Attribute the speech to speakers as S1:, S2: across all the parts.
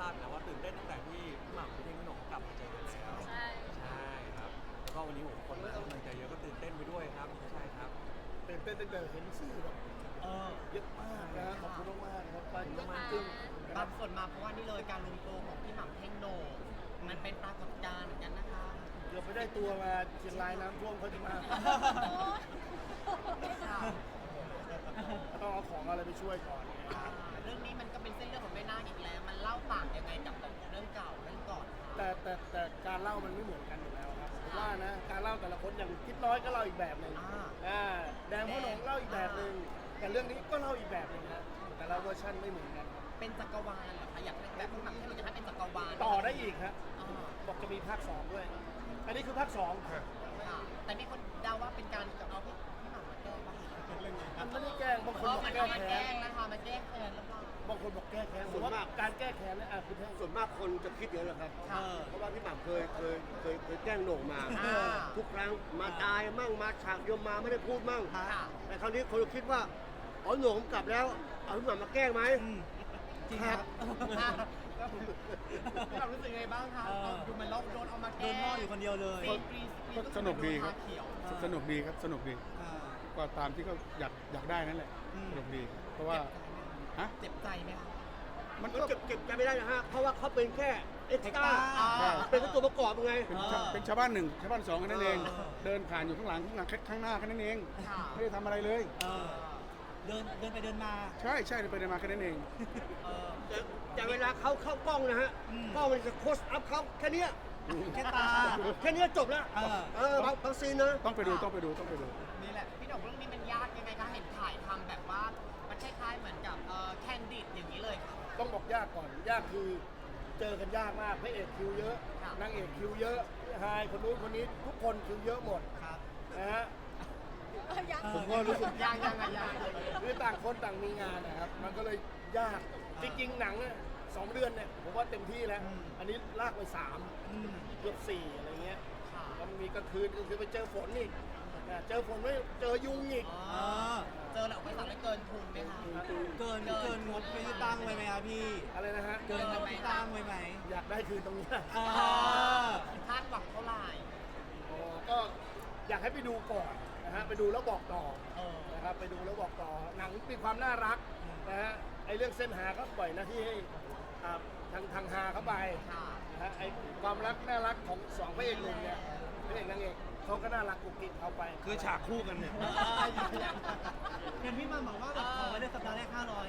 S1: าดนะว่าตื่นเต้นตั้งแต่ที่พี่หม่ำพี่เท่งพี่หน่งกลับมาเจอกันแล้ว
S2: ใช่
S1: ครับแล้วก็วันนี้ผมคนมาให้กำลังใจเยอะก็ตื่นเต้นไปด้วยครับใช่ครับ
S3: ตื่นเต้นตั้งแต่เห็นสื่อแบบเยอะมากนะขอบคุณมากๆนะครับไปเยอะมากจริง
S4: บางส่วนมาเพราะว่านี่เลยการรวมตัวของพี่หม่ำเท่งโหน่งมันเป็นปรากฏการณ์เหมือนกันนะคะ
S3: เกือบไม่ได้ตัวมาเชียงรายน้ำท่วมเขาจะมาต้องเอาของอะไรไปช่วยก่อน
S4: เรื่องนี้มันก็เป็นเส้นเรื่องของแม่นาคอีกแล้วมันเล่าต่างยังไงกับเรื่องเก่าเรื่องก่อน
S3: แต่การเล่ามันไม่เหมือนกันอยู่แล้วครับผมว่านะการเล่าแต่ละคนอย่างคิดน้อยก็เล่าอีกแบบหนึ่งแดงพ่อหนงเล่าอีกแบบหนึ่งแต่เรื่องนี้ก็เล่าอีกแบบหนึ่งนะแต่ละเวอร์ชันไม่เหมือนกัน
S4: เป็นจักรวาลเหรอคะอยากแบบพี่หม่ำเท่งเราจะให้เป็นจักรวาล
S3: ต่อได้อีกฮะบอกจะมีภาค 2ด้วยอันนี้คือภาค 2
S4: แต่มีคนเดาว่าเป็นการเอาพี่หม่ำมาแก้บ้าง
S3: มันไม่ได้แกล้งบางคนบอกแก้แค้น
S4: นะคะมันแก้แค้นหรือเปล่า
S3: บางคนบอกแก้แค้นส่วนมากการแก้แค้นเนี่ยคุณแท่ง
S5: ส่วนมากคนจะคิดเยอะแหละครับเพราะว่าพี่หม่ำเคยแกล้งโหน่งมาทุกครั้งมาตายมั่งมาฉากยมมาไม่ได้พูดมั่งแต่คราวนี้คนคิดว่าอ๋อโหน่งกลับแล้วเอาพี่หม่ำมาแกล้งไหม
S4: จริงครับพี่หม่ำรู้สึกไงบ้างคะดูมันลบโดนเอามาแก้โดนพ่ออยู่คนเดียวเลย
S6: สนุกดีครับสนุกดีครับสนุกดีก็ตามที่เขาอยากได้นั่นแหละสนุกดีเพราะว่า
S4: เจ็บใจไหมคะ
S5: มันก็เก็บใจไม่ได้นะฮะเพราะว่าเขาเป็นแค่เอ็กซ์ตร้าเป็นตัวประกอบไง
S6: เป็นชาวบ้าน1ชาวบ้าน2แค่นั้นเองเดินผ่านอยู่ข้างหลังข้างหน้าแค่นั้นเองไม่ได้ทำอะไรเลย
S4: เดินไปเดินมา
S6: ใช่เดินไปเดินมาแค่นั้นเอง
S5: แต่เวลาเขาเข้ากล้องนะฮะกล้องมันจะโคสอัพเขาแค่นี้
S4: แค่ตา
S5: แค่นี้จบแล้วบางซีนนะ
S6: ต้องไปดู
S4: นี่แหละพี่หน่งเรื่องนี้มันยากยังไงคะเห็นถ่ายทำแบบว่ามันคล้ายๆเหมือนกับแคนดิดอย่างนี้เลยครับ
S3: ต้องบอกยากก่อนยากคือเจอกันยากมากพระเอกคิวเยอะนางเอกคิวเยอะไฮคนนู้นคนนี้ทุกคนคิวเยอะหมดนะฮะผมก็รู้สึก
S4: ยาก
S3: คือต่างคนต่างมีงานนะครับมันก็เลยยากจริงๆหนัง2 เดือนเนี่ยผมว่าเต็มที่แล้วอันนี้ลากไป3เกือบ4อะไรเงี้ยแล้วมีกลางคืนคือไปเจอฝนอีกเจอฝนไม่เจอยุงอีก
S4: เจอแล้วไม่สั่งได้เกินทุนไหมคะเกินงบที่ตั้งไว้ไหมครับพี่
S3: อะไรนะฮะ
S4: เกินงบที่ตั้งไว้ไหม
S3: อยากได้คืนตรงนี้
S4: คาดหวังเท่าไหร่
S3: ก็อยากให้ไปดูก่อนนะฮะไปดูแล้วบอกต่อนะครับไปดูแล้วบอกต่อหนังมีความน่ารักนะฮะไอเรื่องเส้นหาก็ปล่อยหน้าที่ให้ทางหาเข้าไปนะฮะไอความรักน่ารักของ2พระเอกหนุ่มเนี่ยพระเอกนางเอกเขาก็น่ารักกุ๊กกิ๊กเขาไป
S6: คือฉากคู่กันเนี่ย
S4: เห็นพี่มาบอกว่าแบบขอไว้ในสัปดาห์แรก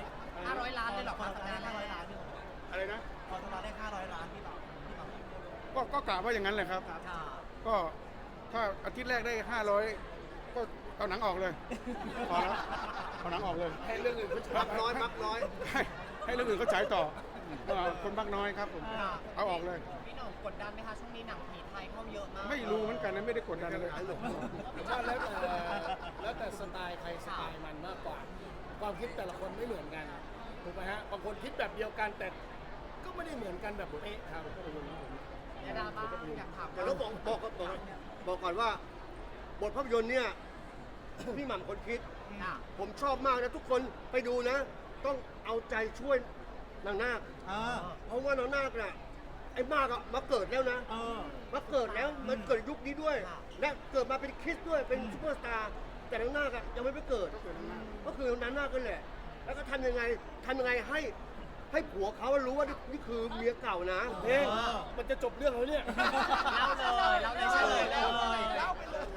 S4: 500 ล้านเลยหรอครับสัปดาห์แรก500 ล้านพี่
S6: อะไรนะ
S4: ขอสัปดาห์แรก500 ล้านพี่บอก
S6: ก็กะว่าอย่างนั้นแหละครับก็ถ้าอาทิตย์แรกได้500ก็เอาหนังออกเลยพอแล้วเอาหนังออกเลย
S3: ให้เรื่องอื่นเขา
S5: มักน้อย
S6: ให้เรื่องอื่นเขาฉายต่อคนมักน้อยครับผมเอาออกเลย
S4: พี่หน่งกดดันไหมคะช่วงนี้หนังผีไทยเข้าเยอะมาก
S6: ไม่รู้เหมือนกันนะไม่ได้กดดันเลย
S3: ผมว่าแล้วแต่สไตล์ใครสไตล์มันมากกว่าความคิดแต่ละคนไม่เหมือนกันถูกไหมฮะบางคนคิดแบบเดียวกันแต่ก็ไม่ได้เหมือนกันแบบเป๊ะครับ
S4: ยาดาบ้างอยากถาม
S5: แต่เราบอกก่อนว่าบทภาพยนตร์เนี่ยพี่หม่ำคนคิดผมชอบมากนะทุกคนไปดูนะต้องเอาใจช่วยนางนาคเพราะว่านางนาคน่ะไอ้มากอะมาเกิดแล้วนะมาเกิดแล้วมันเกิดยุคนี้ด้วยและเกิดมาเป็นคริสต์ด้วยเป็นซุปเปอร์สตาร์แต่นางนาคอะยังไม่ไปเกิดก็คือนางนาคกันแหละแล้วก็ทำยังไงให้ผัวเขารู้ว่านี่คือเมียเก่านะ
S3: เพลงมันจะจบเรื่องแล้วเนี่ย
S4: เล่าเลยใช่เลยเล่าไปเลย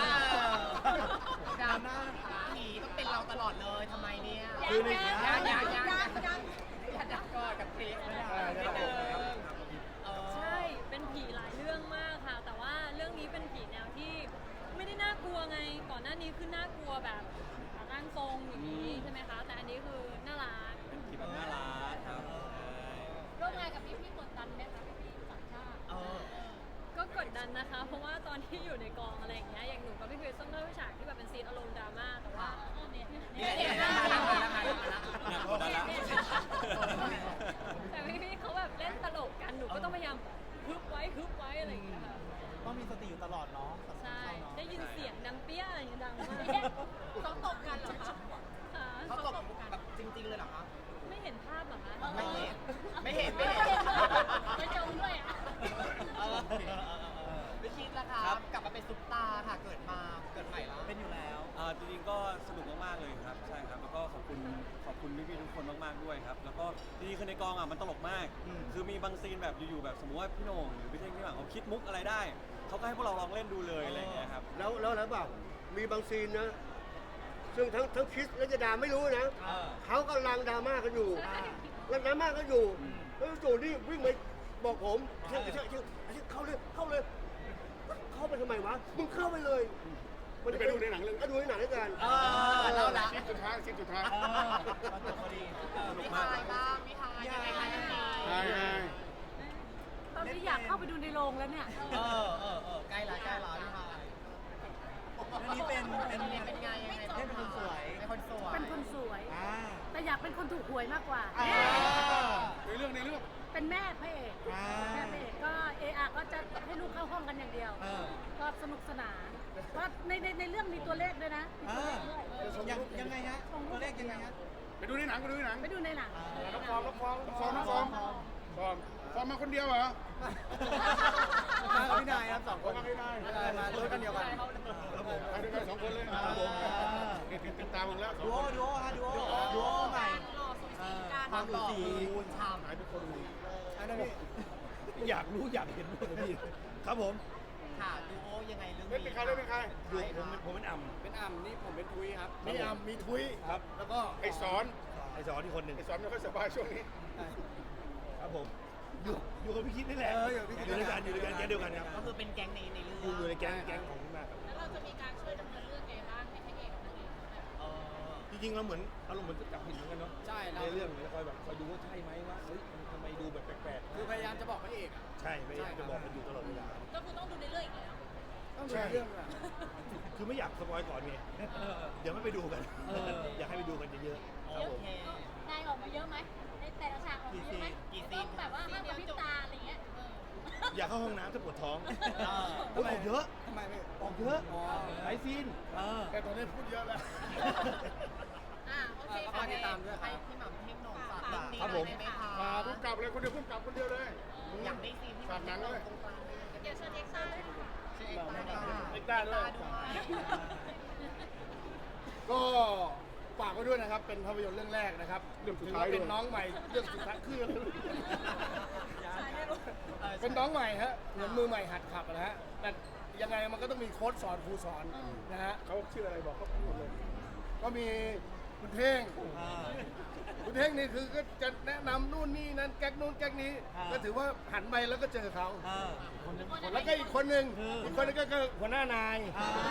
S4: ดราม่าผีต้องเป็นเราตลอดเลยทำไมเนี่ยอย่าดักก่อนกับคริส
S2: ใช่เป็นผีหลายเรื่องมากค่ะแต่ว่าเรื่องนี้เป็นผีแนวที่ไม่ได้น่ากลัวไงก่อนหน้านี้คือน่ากลัวแบบร่างทรงอย่างนี้ใช่ไหมคะแต่อันนี้คือน่ารัก
S1: เป็นผีแบบน่ารักครับ
S2: ร่วมงานกับพี่กดดันไหมคะพี่ต่างชาติก็กดดันนะคะเพราะว่าตอนที่อยู่ในกองอะไรอย่างเงี้ยอย่างหนูกับพี่คริสต้องเล่าฉากที่แบบเป็นซีนอารมณ์ดราม่าแต่ว่าแต่พี่เขาแบบเล่นตลกกันหนูก็ต้องพยายามฮึบไว้อะไรอย่างเงี้ยค่ะ
S4: ต้องมีสติอยู่ตลอดเนาะ
S2: ใช่ได้ยินเสียงดังเปี้ยอะไรอย่างเงี้ยดังมากเขาตบกันเหรอคะ
S4: เขาตบแบบจริงๆเลยเหรอคะ
S2: ไม่เห็นภาพเหรอคะ
S4: ไม่เห็น
S1: แล้วก็ดีคือในกองอ่ะมันตลกมาก คือมีบางซีนแบบอยู่ๆแบบสมมติว่าพี่โหน่งหรือพี่เท่งพี่หม่ำเขาคิดมุกอะไรได้เขาก็ให้พวกเราลองเล่นดูเลยอะไรอย่างเงี้ยครับ
S5: แล้วอะไรเปล่ามีบางซีนนะ ซึ่งทั้งคริสและจะดาไม่รู้นะ เขากำลังดราม่ากันอยู่กำลังดราม่ากันอยู่ แล้วจู่นี่วิ่งมาบอกผมเชื่อเข้าเลย เข้าไปทำไมวะ มึงเข้าไปเลย
S6: ไปดูในหนังเรื่อง
S5: ก็ดูในหนังด้วยกัน
S4: เราละ
S6: ซีนสุดท้ายซีนสุดท้าย
S4: มันจบพอดีพี่ทายบ้างพี่ทายยังไงคะยังไง
S6: ใช่ใช่
S2: ตอนนี้อยากเข้าไปดูในโรงแล้วเนี่ย
S4: ใกล้ละพี่ทาย
S7: อันนี้เป็น
S4: เป็นไงยังไงเป็นคนสวยเป็นคนสวย
S2: เป็นคนสวย แต่อยากเป็นคนถูกหวยมากกว่า
S6: ในเรื่อง
S2: เป็นแม่พระเอกแม่พระเอกก็ก็จะให้ลูกเข้าห้องกันอย่างเดียว ก็สนุกสนานก็ในเรื่องมีตัวเลขด้วยนะมีตัวเลขด้วย
S7: ยังไงฮะตัวเลขยังไงฮะ
S6: ไปดูในหนัง
S2: ไปดูในหนัง
S3: น้องฟอง
S6: ฟอร์มมาคนเดียวเหรอ
S7: มากับพี่นายครับ2 คน
S6: มาไม่ได้
S7: มารถกันเดียวกัน
S6: ไปด้วยกัน2 คนเลยนี่ติดตามมึงแล้ว
S7: ดูโอฮะดูโอใหม่ความดูสี
S4: ชาม
S6: หายไปคนนึง
S7: อันนั้นพี่
S3: อยากรู้อยากเห็นหมดเลยพี่ครับผม
S4: ค่ะดูโอยังไงเรื่อง
S6: เล่นเป็นใครเล่นเป็นใคร
S3: ผมเป็นอ่ำ
S7: เป็นอ่ำนี่ผมเป็นทุยครับ
S3: มีอ่ำมีทุยครับ แล้วก็
S6: ไอ้สอน
S3: ไอสอนที่คนหนึ่ง
S6: ไอ้สอนไม่ค่อยสบายช่วงนี้
S3: ครับผมอยู่กับพี่คิดนี่แหละอยู่ด้วยกันแก๊งเดียวกันครับ
S4: ก็คือเป็นแก๊งในเรื่อง
S3: อยู่ในแก๊งของคุณแม่ครับ
S2: แล้วเราจะมีการช่วยดำเนินเรื่องไงบ้างให้พระเอกกับนางเอกแบบ
S3: จริงๆเราเหมือนอารมณ์เหมือนจับผิดเหมือนกันเนาะ
S7: ใช่
S3: ในเรื่องเนี่ยคอยแบบคอยดูว่าใช่ไหมว่าเฮ้ยมันทำไมดูแบบแปลกๆ
S7: คือพยายามจะบอกพระเอกอ่ะ
S3: ใช่ไม่จะบอกมันอยู่ตลอดเวลา
S2: ก็คือต้องดูในเรื่องอีกแล้ว
S7: ต้องดูเรื่องอ่ะ
S3: คือไม่อยากสปอยก่อนไงเดี๋ยวไม่ไปดูกัน อยากให้ไปดูกันเยอะๆครับผม
S2: นายออกมาเยอะไหมในแต่ละฉากออกมาเยอะไหมต้องแบบว่าห้ามกระพริบตาอะไรเงี้ย
S3: อยากเข้าห้องน้ำถ้าปวดท้องออกเยอะ
S7: ทำไมไม่
S3: ออกเยอะหลายซีน
S5: แต่ตอนนี้พูดเยอะแล้ว
S2: โอเค
S7: ฝากติดตามด้วยค
S4: ให้
S7: รับ
S4: พี่หม่ำเท่งหน่องฝากเรื่องนี้
S3: ครับผม
S4: ได้ไหมคะ
S6: มาพุ่งกลับเลยคนเดียวพุ่งกลับคนเดียวเลย
S4: อยากได้ซีนที่มันตรงกลาง
S2: เดี๋ยวเชิญเอ็กซ่าเลยค่ะ
S4: ชื่อเอ็กซ์
S3: เอ็กซ์ต้าด้วย ก็ฝากไว้ด้วยนะครับ เป็นภาพยนตร์เรื่องแรกนะครับ
S6: เรื่องสุด
S3: ถือ
S6: ท้าย
S3: ว่า
S6: ด้
S3: เป็
S6: วย
S3: นน้องใหม่เรื่องสุดท้ายคืออะไรเป็นน้องใหม่ฮะเหมือนมือใหม่หัดขับนะฮะแต่ยังไงมันก็ต้องมีโค้ชสอนครูสอนนะฮะ
S6: เขาชื่ออะไรบอกเขาพูดหมดเลย
S3: ก็มีคุณเท่งคุณเท่งนี่คือก็จะแนะนำนู่นนี่นั่นแก๊กนู่นแก๊กนี้ ก็ถือว่าหันไปแล้วก็เจอเขาแล้วก็อีกคนหนึ่งก็คือหัวหน้านาย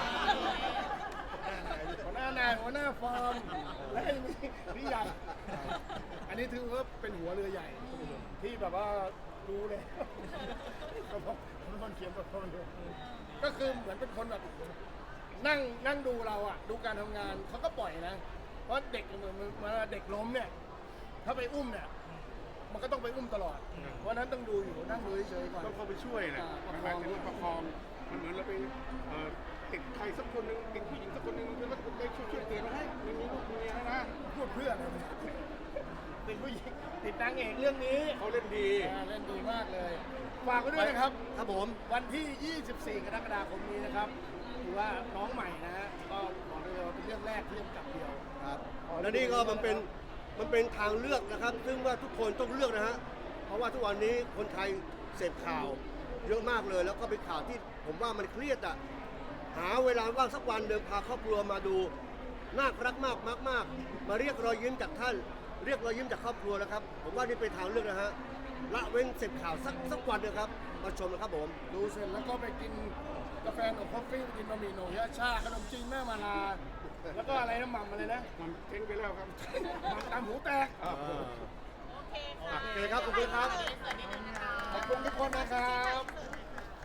S3: หัวหน้าฟาร์มและพี่ใหญ่อันนี้ถือว่าเป็นหัวเรือใหญ่ ที่แบบว่ารู้เลยเขาบอกเป็นคนเขียนบทความเลยก็คือเหมือนเป็นคนแบบนั่งดูเราอ่ะดูการทำงานเขาก็ปล่อยนะ เพราะเด็กเหมือนเด็กล้มเนี่ย ถ้าไปอุ้มเนี่ย มันก็ต้องไปอุ้มตลอด เพราะฉะนั้นต้องดูอยู่นั่งดูเฉยๆก่อน
S6: ต้องเข้าไปช่วยนะมันหมายถึงว่าประคอง มันเหมือนเราไปติดใครสักคนหนึ่งติดผู้หญิงสักคนหนึ่งแล้วก็ไปช่วยเตือนมาให้มีลูกมีเมียนะ
S3: พูดเพื่อนเลยติดผู้หญิงติดนางเอกเรื่องนี้
S6: เขาเล่นดี
S3: เล่นดีมากเลย ฝากไว้ด้วยนะครับ
S5: ครับผม
S3: วันที่ 24 กรกฎาคมนี้นะครับถือว่าน้องใหม่นะฮะ ก็บอกเลยว่าเป็นเรื่องแรกที่กำกับเดียว
S5: ครับและนี่ก็มันเป็นทางเลือกนะครับ ซึ่งว่าทุกคนต้องเลือกนะฮะ เพราะว่าทุกวันนี้คนไทยเสพข่าวเยอะมากเลย แล้วก็เป็นข่าวที่ผมว่ามันเครียดอ่ะ หาเวลาว่างสักวันเดินพาครอบครัวมาดู น่ารักมากมากๆมาเรียกรอยยิ้มจากท่าน เรียกรอยยิ้มจากครอบครัวนะครับ ผมว่านี่เป็นทางเลือกนะฮะ ละเว้นเสพข่าวสักวันเดียวครับ มาชมนะครับผม
S3: ดูเสร็จแล้วก็ไปกินกาแฟกับคอฟฟี่กินบะหมี่โหน่งยาชาขนมจีนแม่มาลา แล้วก็อะไรน้ำหม่ำอะไรนะ
S6: มันเจ๊งไปแล้วครับ
S3: หม่ำตามหูแตก
S2: โอเคค่ะ
S5: โอเคครับ ขอบคุณครับ
S3: ขอบคุณทุกคนนะครับ